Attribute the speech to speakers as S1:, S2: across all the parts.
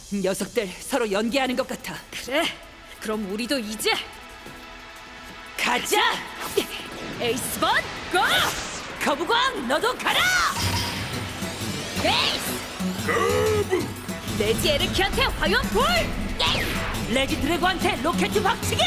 S1: 녀석들 서로 연기하는 것 같아.
S2: 그래, 그럼 우리도 이제
S1: 가자!
S2: 에이스본 고!
S1: 거부광 너도 가라!
S2: 에이스! 레지 에르키한테 화염 불!
S1: 레지 드래곤한테 로켓 박치기!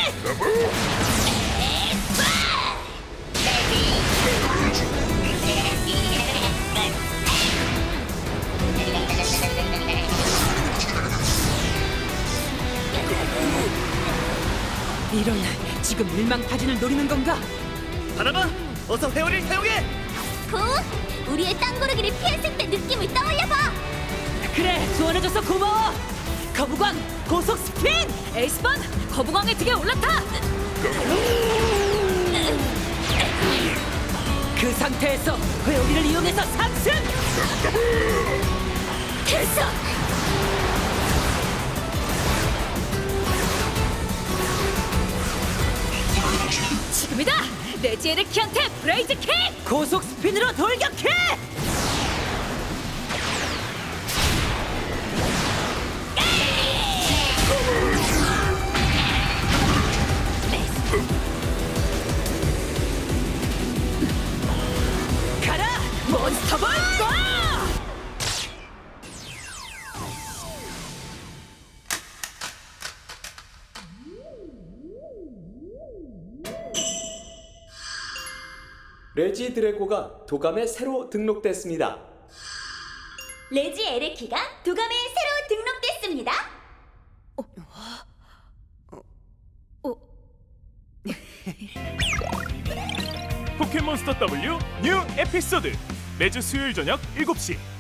S1: 이런, 지금 일망타진을 노리는 건가?
S3: 바나나, 어서 회오리를 사용해!
S4: 굿! 우리의 땅고르기를 피했을 때 느낌을 떠올려봐!
S1: 그래, 조언해줘서 고마워! 거부광 고속 스핀!
S2: 에이스본 거부광의 등에 올라타!
S1: 그 상태에서 회오리를 이용해서 상승!
S2: 됐어! 지금이다! 레지 에르키한테 브레이즈 킥!
S1: 고속 스핀으로 돌격해! 가라! 몬스터볼 고!
S5: 레지 드래고가 도감에 새로 등록됐습니다.
S4: 레지 에르키가 도감에 새로 등록됐습니다.
S6: 포켓몬스터 W 뉴 에피소드 매주 수요일 저녁 7시